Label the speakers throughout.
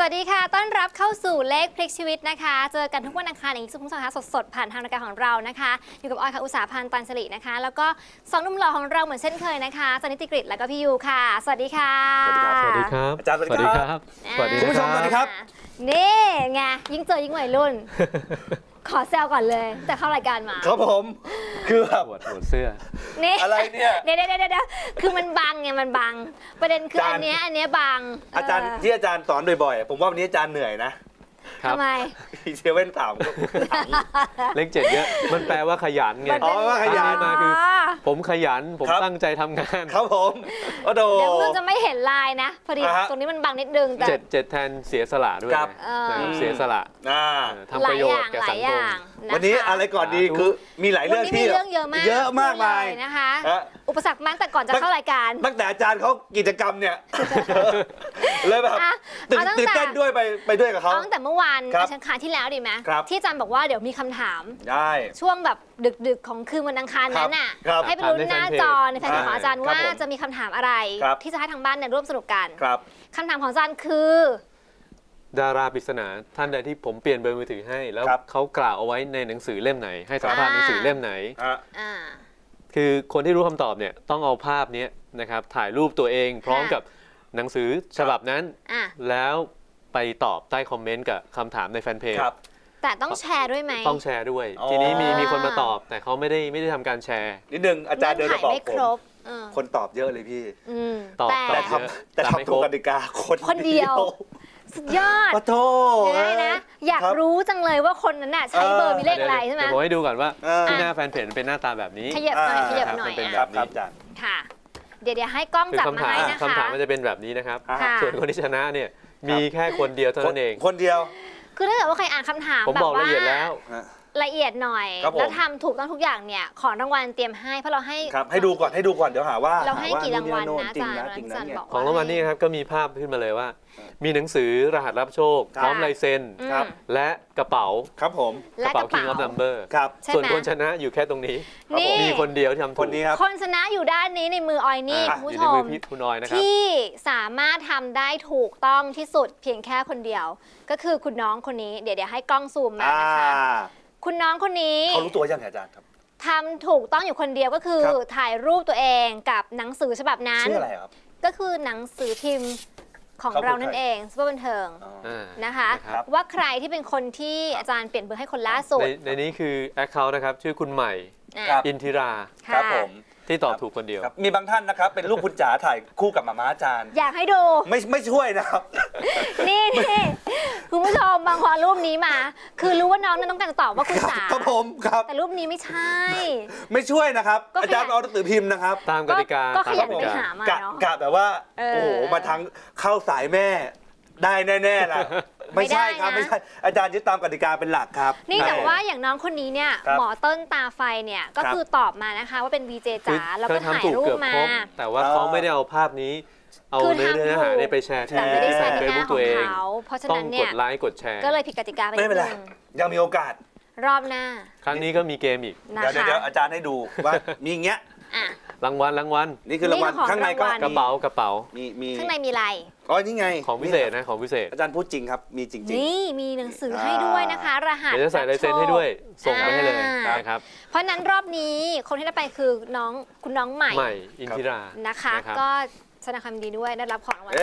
Speaker 1: วัสดีค่ะต้อนรับเข้าสู่เลขพลิกชีวิตนะคะเจอกันทุกวันอังคารอย่างนี้ทุกสัปดาห์สดๆผ่านทางรายการของเรานะคะอยู่กับออยค่ะอุตสาหพันธ์ตันสิรินะคะแล้วก็สองหนุ่มหล่อของเราเหมือนเช่นเคยนะคะจันนิติกฤษแล้วก็พี่ยูค่ะสวัสดีค่ะ
Speaker 2: สวัสดีครับ
Speaker 3: อาจารย์สวัสดีครับ
Speaker 2: สวัสดี
Speaker 3: คุณผู้ชมสวัสดีครับ
Speaker 1: นี่ไงยิ่งเจอยิ่งวัยรุ่น ขอแซวก่อนเลยแต่เข้ารายการมา
Speaker 3: ครับผมคือแบบ
Speaker 2: ปวดเสื้อ
Speaker 1: นี่
Speaker 3: อะไรเนี่ย
Speaker 1: เดี๋ยวคือมันบังไงมันบังประเด็นคืออันเนี้ยบัง
Speaker 3: อาจารย์ที่อาจารย์สอนบ่อยๆผมว่าวันนี้อาจารย์เหนื่อยนะ
Speaker 1: ทำไม
Speaker 3: เซเว่นถาม
Speaker 2: เลข7เยอะมันแปลว่าขยันไง
Speaker 3: อ๋อว่าขยัน
Speaker 2: มาคือผมขยันผมตั้งใจทำงาน
Speaker 3: ครับผมโอ้โห
Speaker 1: เดี๋ยวเพื่อนจะไม่เห็นลายนะพอดีตรงนี้มันบังนิดนึงแต่
Speaker 2: 7แทนเสียสละด้วยเสียสละทำประโยชน์แก่สังคม
Speaker 3: วันนี้อะไรก่อนดีคือมีหลายเรื่องที่เยอะมากมาย
Speaker 1: นะคะอุปสรรคมากแต่ก่อนจะเข้ารายการ
Speaker 3: ตั้งแต่อาจารย์เขากิจกรรมเนี่ยเลยแบบตื่นเต้นด้วยไปด้วยกับเขา
Speaker 1: ตั้งแต่เมื่อวานอังคารที่แล้วดีไหมที่อาจารย์บอกว่าเดี๋ยวมีคำถาม
Speaker 3: ได้
Speaker 1: ช่วงแบบดึกๆของคืนวันอังคารนั้นน่ะให้ไปลุ้นหน้าจอในแฟนเพจของอาจารย์ว่าจะมีคำถามอะไรที่จะให้ทางบ้านร่วมสนุกกันคำถามของอาจารย์คือ
Speaker 2: ดาราปริศนาท่านใดที่ผมเปลี่ยนเบอร์มือถือให้แล้วเขากล่าวเอาไว้ในหนังสือเล่มไหนให้สัมภาษณ์หนังสือเล่มไหนคือคนที่รู้คำตอบเนี่ยต้องเอาภาพนี้นะครับถ่ายรูปตัวเองพร้อมกับหนังสือฉบับนั้นแล้วไปตอบใต้คอมเมนต์กับคำถามในแฟนเพจ
Speaker 1: แต่ต้องแชร์ด้วยไหม
Speaker 2: ต้องแชร์ด้วยทีนี้มีคนมาตอบแต่เขาไม่ได้ทำการแชร์
Speaker 3: นิดนึงอาจารย์เดินมาบอกผมคนตอบเยอะเลยพี่แต่ทำถูกกติกา
Speaker 1: คนเดียวสุดยอด
Speaker 3: ขอโทษ
Speaker 1: นะอยากรู้จังเลยว่าคนนั้นน่ะใช้เบอร์มีเลขอะไรใช่ไหม
Speaker 2: ผมให้ดูก่อนว่าที่หน้าแฟนเพจเป็นหน้าตาแบบนี้
Speaker 1: ขยับหน่อย
Speaker 2: เป็นแบบนี้
Speaker 1: ค่ะเดี๋ยวให้กล้องจับมาให้นะคะ
Speaker 2: คำถามมันจะเป็นแบบนี้นะครับส่วนคนที่ชนะเนี่ยมีแค่คนเดียวเท่านั้นเอง
Speaker 3: คนเดียว
Speaker 1: คือถ้าเกิดว่าใครอ่านคำถาม
Speaker 2: ผมบอกละเอียดแล้ว
Speaker 1: ละเอียดหน่อยแล้วทำถูกต้องทุกอย่างเนี่ยของรางวัลเตรียมให้เพราะเรา
Speaker 3: ให้ดูก่อนเดี๋ยวหาว่า
Speaker 1: เราให้กี่รางวัลนะอาจารย์บอก
Speaker 2: ของรางวัลนี่ครับก็มีภาพขึ้นมาเลยว่ามีหนังสือรหัสรับโชคพร้อมลายเซ็นและกระเป๋า
Speaker 3: ครับผม
Speaker 2: กระเป๋า King of Number ส่วนคนชนะอยู่แค่ตรงนี้มีคนเดียวที่ทำถูก
Speaker 1: คนชนะอยู่ด้านนี้ในมือออยนี่คุณผู้ชมที่สามารถทำได้ถูกต้องที่สุดเพียงแค่คนเดียวก็คือคุณน้องคนนี้เดี๋ยวให้กล้องซูมมานะคะคุณน้องคนนี้
Speaker 3: เขารู้ตัวยังไงอาจารย์ครับ
Speaker 1: ทำถูกต้องอยู่คนเดียวก็คือถ่ายรูปตัวเองกับหนังสือฉบับนั้น
Speaker 3: ชื่ออะไรครับ
Speaker 1: ก็คือหนังสือพิมพ์ของเรานั่นเองซุปเปอร์บันเทิงนะคะว่าใครที่เป็นคนที่อาจารย์เปลี่ยนเบอร์ให้คนล่าสุด
Speaker 2: ในนี้คือ Account นะครับชื่อคุณใหม่อินทิรา
Speaker 3: ครับผม
Speaker 2: ที่ตอบถูกคนเดียว
Speaker 3: มีบางท่านนะครับเป็นลูกคุณจ๋าถ่ายคู่กับหม่าม้าอาจารย์
Speaker 1: อยากให้ดู
Speaker 3: ไม่ช่วยนะครับ
Speaker 1: นี่คุณผู้ชมบางคนรูปนี้มาคือรู้ว่าน้องนั้นต้องการจะตอบว่าคุณจ๋า
Speaker 3: ครับผมครับ
Speaker 1: แต่รูปนี้ไม่ใช่
Speaker 3: ไม่ช่วยนะครับอาจารย์เอาหนังสือพิมพ์นะครับ
Speaker 2: ตามกติกา
Speaker 1: ก็ขยันไปหามาเนาะ
Speaker 3: กะแบบว่าโอ้โหมาทั้งเข้าสายแม่ได้แน่ๆล่ะไม่ใช่ครับไม่ใช่อาจารย์ยึดตามกติกาเป็นหลักครับ
Speaker 1: นี่แต่ว่าอย่างน้องคนนี้เนี่ยหมอเติ้ลตาไฟเนี่ยก็คือตอบมานะคะว่าเป็น VJ จ๋าแล้วก็ถ่ายรูปมา
Speaker 2: แต่ว่าเขาไม่ได้เอาภาพนี้เอาเนื้อหาไปแชร์ที่เฟซบุ๊กตัวเอง
Speaker 1: เพราะฉะนั้นเนี่ย
Speaker 2: ต้องกดไลค์กดแชร์
Speaker 1: ก็เลยผิดกติกาไป
Speaker 3: ไม่เป็นไรยังมีโอกาส
Speaker 1: รอบหน้า
Speaker 2: ครั้งนี้ก็มีเกมอีก
Speaker 3: เดี๋ยวอาจารย์ให้ดูว่ามีอย่างเงี้ย
Speaker 2: รางวัล
Speaker 3: นี่คือรางวัลข้างในก็
Speaker 2: กระเป๋า
Speaker 3: มี
Speaker 1: ข้างในมีอะไร
Speaker 3: อ๋อนี่ไง
Speaker 2: ของพิเศษนะของพิเศษ
Speaker 3: อาจารย์พูดจริงครับมีจริง
Speaker 1: นี่มีหนังสือให้ด้วยนะคะรหัส
Speaker 2: เดี๋ยวจะใส่ลายเซ็นให้ด้วยส่งไปให้เลยนะครับ
Speaker 1: เพราะนั้นรอบนี้คนที่ได้ไปคือคุณน้องใหม่
Speaker 2: อินทิรา
Speaker 1: นะคะก็แสดงความดีด้วยได้รับของรางวัล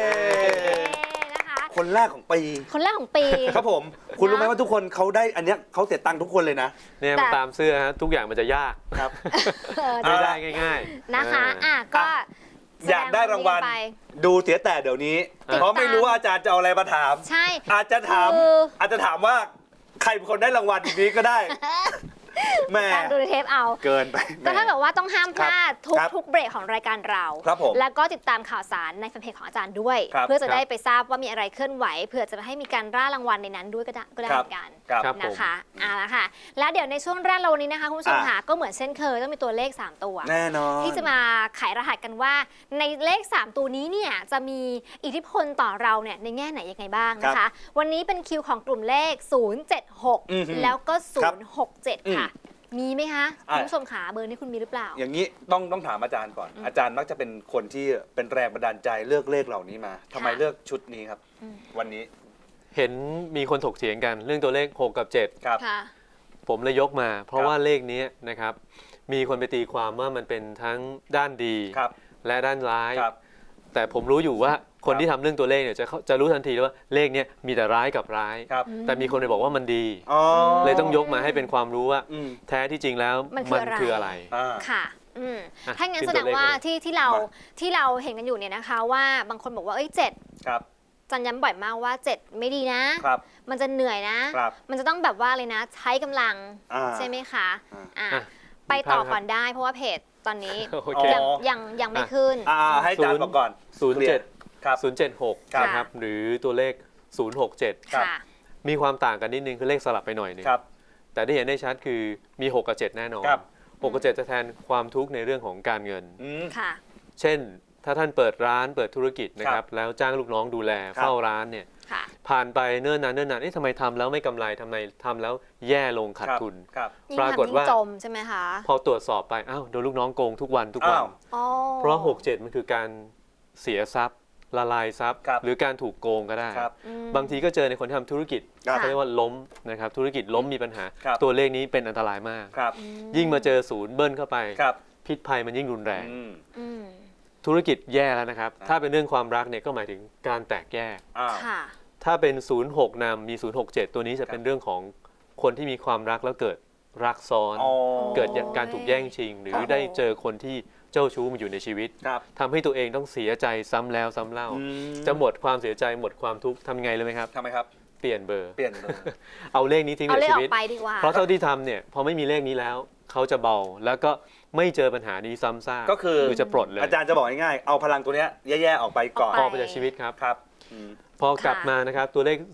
Speaker 3: คนแรกของปีครับผมคุณรู้ไหมว่าทุกคนเขาได้อันนี้เขาเสียตังค์ทุกคนเลยนะ
Speaker 2: เนี่ยตามเสื้อฮะทุกอย่างมันจะยาก
Speaker 3: ครับ
Speaker 2: ไม่ได้ง่าย
Speaker 1: ๆนะคะก็
Speaker 3: อยากได้รางวัลดูเสียแต่เดี๋ยวนี้เพราะไม่รู้ว่าอาจารย์จะเอาอะไรมาถาม
Speaker 1: ใช่
Speaker 3: อาจจะถามว่าใครเป็นคนได้รางวัลนี้ก็ได้
Speaker 1: การดูในเทปเอา
Speaker 3: เกินไป
Speaker 1: ก็ถ้าแบบว่าต้องห้ามพลาดทุกเบรกของรายการเราแล้วก็ติดตามข่าวสารในแฟนเพจของอาจารย์ด้วยเพื่อจะได้ไปทราบว่ามีอะไรเคลื่อนไหวเพื่อจะให้มีการร่ารางวัลในนั้นด้วยก็ได้เหมือนกันนะคะละค่ะแล้วเดี๋ยวในช่วงแรกเราวันนี้นะคะคุณผู้ชมค่ะก็เหมือนเช่นเคยต้องมีตัวเลข3ตัว
Speaker 3: แน่นอน
Speaker 1: ที่จะมาไขรหัสกันว่าในเลข3ตัวนี้เนี่ยจะมีอิทธิพลต่อเราเนี่ยในแง่ไหนยังไงบ้างนะคะวันนี้เป็นคิวของกลุ่มเลข076แล้วก็067ค่ะมีไหมคะคุณผู้ชมขาเบอร์นี้คุณมีหรือเปล่า
Speaker 3: อย่างนี้ต้องถามอาจารย์ก่อน อาจารย์มักจะเป็นคนที่เป็นแรงบันดาลใจเลือกเลขเหล่านี้มาทำไมเลือกชุดนี้ครับ วันนี้
Speaker 2: เห็นมีคนถกเถียงกันเรื่องตัวเลข 6 กับ 7
Speaker 3: ครับ
Speaker 2: ผมเลยยกมา เพราะว่าเลขนี้นะครับมีคนไปตีความว่ามันเป็นทั้งด้านดีและด้านร้าย แต่ผมรู้อยู่ว่าคนที่ทำเรื่องตัวเลขเนี่ยจะรู้ทันทีว่าเลขนี้มีแต่ร้ายกับร้าย แต่มีคนไปบอกว่ามันดีเลยต้องยกมาให้เป็นความรู้ว่าแท้ที่จริงแล้วมันคืออะไร
Speaker 1: ค่ะถ้างั้นแสดงว่าที่เราเห็นกันอยู่เนี่ยนะคะว่าบางคนบอกว่า7จันย้ำบ่อยมากว่า7ไม่ดีนะมันจะเหนื่อยนะมันจะต้องแบบว่าเลยนะใช้กำลังใช่ไหมคะไปต่อก่อนได้เพราะว่าเพจตอนนี้ยังไม่ขึ้น
Speaker 3: ให้อาจารย์บอกก่อน
Speaker 2: 076นะครับหรือตัวเลข067มีความต่างกันนิดนึงคือเลขสลับไปหน่อยนึงแต่ที่เห็นได้ชัดคือมี 6 กับ 7 แน่นอน6 กับ 7 จะแทนความทุกข์ในเรื่องของการเงินเช่นถ้าท่านเปิดร้านเปิดธุรกิจนะครับแล้วจ้างลูกน้องดูแลเฝ้าร้านเนี่ยผ่านไปเนิ่นนานทำไมทำแล้วไม่กำไรทำไมทำแล้วแย่ลงขาดทุน
Speaker 1: ปรากฏว่าจมใช่ไหมคะ
Speaker 2: พอตรวจสอบไปอ้าวโดนลูกน้องโกงทุกวันเพราะ6-7มันคือการเสียทรัพย์ละลายทรัพย์หรือการถูกโกงก็ได้บางทีก็เจอในคนที่ทำธุรกิจเขาเรียกว่าล้มนะครับธุรกิจล้มมีปัญหาตัวเลขนี้เป็นอันตรายมากยิ่งมาเจอศูนย์เบิ้ลเข้าไปพิษภัยมันยิ่งรุนแรงธุรกิจแย่แล้วนะครับถ้าเป็นเรื่องความรักเนี่ยก็หมายถึงการแตกแยกถ้าเป็น06นำมี067ตัวนี้จะเป็นเรื่องของคนที่มีความรักแล้วเกิดรักซ้อนเกิดการถูกแย่งชิงหรือได้เจอคนที่เจ้าชู้มาอยู่ในชีวิตทำให้ตัวเองต้องเสียใจซ้ำแล้วซ้ำเล่าจะหมดความเสียใจหมดความทุกข์ทำไงเลยไหมครับ
Speaker 3: ทำไมครับ
Speaker 2: เปลี่ยนเบอร์
Speaker 3: เอา
Speaker 2: เลขนี้ทิ้งในชีวิตเพราะเท่าที่ทำเนี่ยพอไม่มีเลขนี้แล้วเขาจะเบาแล้วก็ไม่เจอปัญหานี้ซ้ำซาก
Speaker 3: ก็คือ
Speaker 2: จะปลดเลย
Speaker 3: อาจารย์จะบอกง่ายๆเอาพลังตัวนี้แย่ๆออกไปก่อน
Speaker 2: ออกไปจากชีวิตครับพอกลับมานะครับตัวเลข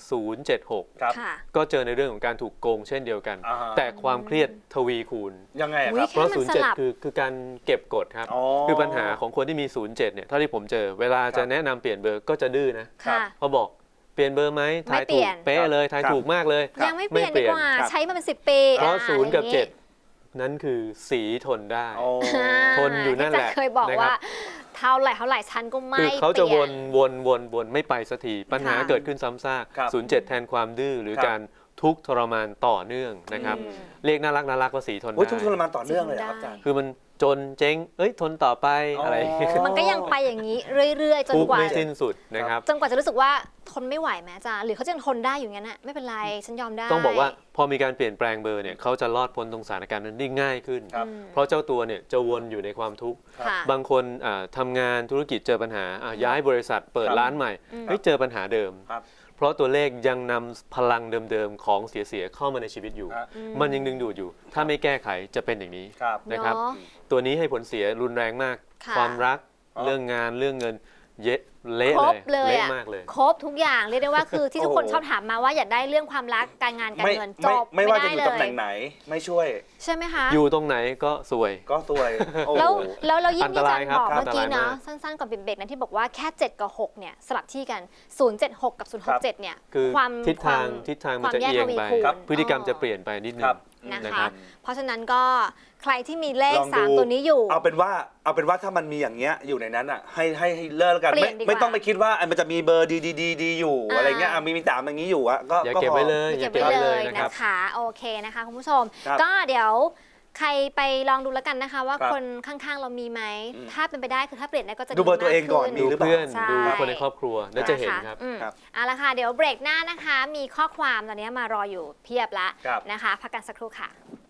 Speaker 2: 076ก็เจอในเรื่องของการถูกโกงเช่นเดียวกันแต่ความเครียดทวีคูณ
Speaker 3: ยังไงครับ
Speaker 2: เพราะ07คือการเก็บกดครับคือปัญหาของคนที่มี07เนี่ยเท่าที่ผมเจอเวลาจะแนะนำเปลี่ยนเบอร์ก็จะดื้อนะพอบอกเปลี่ยนเบอร์ไหมทายถูกเป๊ะเลยทายถูกมากเลย
Speaker 1: ยังไม่เปลี่ยนดีกว่าใช้มาเป็น10 ปี
Speaker 2: เพราะ0 กับ 7นั้นคือสีทนได้ทนอยู่นั่นแหละ
Speaker 1: เคยบอกว่าเท่าไหร่ฉันก็ไม่
Speaker 2: คือเขาจะวนไม่ไปสักทีปัญหาเกิดขึ้นซ้ำซาก07แทนความดื้อหรือการทุกข์ทรมานต่อเนื่องนะครับเรียกน่ารักว่าสีทนได้
Speaker 3: ทุกข์ทรมานต่อเนื่องเลยครับอาจารย์
Speaker 2: คือมันจนเจ๊งทนต่อไปอะไร
Speaker 1: มันก็ยังไปอย่างนี้เรื่อยๆจนกว่า
Speaker 2: ไม่สิ้นสุดนะครับ
Speaker 1: จนกว่าจะรู้สึกว่าทนไม่ไหวแม้จ้าหรือเขาจะทนได้อยู่งั้นน่ะไม่เป็นไรฉันยอมได้
Speaker 2: ต้องบอกว่าพอมีการเปลี่ยนแปลงเบอร์เนี่ยเขาจะรอดพ้นตรงสถานการณ์นั้นได้ง่ายขึ้นเพราะเจ้าตัวเนี่ยจะวนอยู่ในความทุกข์บางคนทำงานธุรกิจเจอปัญหาย้ายบริษัทเปิดร้านใหม่เจอปัญหาเดิมเพราะตัวเลขยังนำพลังเดิมๆของเสียเข้ามาในชีวิตอยู่มันยังดึงดูดอยู่ถ้าไม่แก้ไขจะเป็นอย่างนี้นะครับตัวนี้ให้ผลเสียรุนแรงมากความรักเรื่องงานเรื่องเงินเละเลย
Speaker 1: มากเลยครบทุกอย่างเรียกได้ว่าคือที่ทุกคนชอบถามมาว่าอยากได้เรื่องความรักการงานการเงินจบ
Speaker 3: ไม่ว่าจะอยู่ตำแหน่งไหนไม่ช่วย
Speaker 1: ใช่ไหมคะ
Speaker 2: อยู่ตรงไหนก็ซวย
Speaker 1: แล้วยิ่งที่อาจารย์บอกเมื่อกี้เนาะสั้นๆก่อนเบรกนั้นที่บอกว่าแค่7กับ6เนี่ยสลับที่กัน076กับ067เนี่ย
Speaker 2: คือทิศทางมันจะเอียงไปพฤติกรรมจะเปลี่ยนไปนิดนึง
Speaker 1: นะคะเพราะฉะนั้นก็ใครที่มีเลข3ตัวนี้อยู่
Speaker 3: เอาเป็นว่าถ้ามันมีอย่างเงี้ยอยู่ในนั้นอ่ะให้เลิกกันไม่ต้องไปคิดว่ามันจะมีเบอร์ดีอยู่อะไรเงี้ยมี3อย่างนี้อยู่อ่ะก็
Speaker 2: อย่าเก็บไว้เลย
Speaker 1: อย่าเก็บไว้เลยนะคะโอเคนะคะคุณผู้ชมก็เดี๋ยวใครไปลองดูแล้วกันนะคะว่าคนข้างๆเรามีไหมถ้าเป็นไปได้คือถ้าเปลี่ยนได้ก็จะ
Speaker 3: ดูเบอร์ตัวเองก่อน
Speaker 2: ดูเพื่อนดูคนในครอบครัวแล้วจะเห็นครับ
Speaker 1: เอาละค่ะเดี๋ยวเบรกหน้านะคะมีข้อความตอนนี้มารออยู่เพียบละนะคะพักกันสักครู่ค่ะ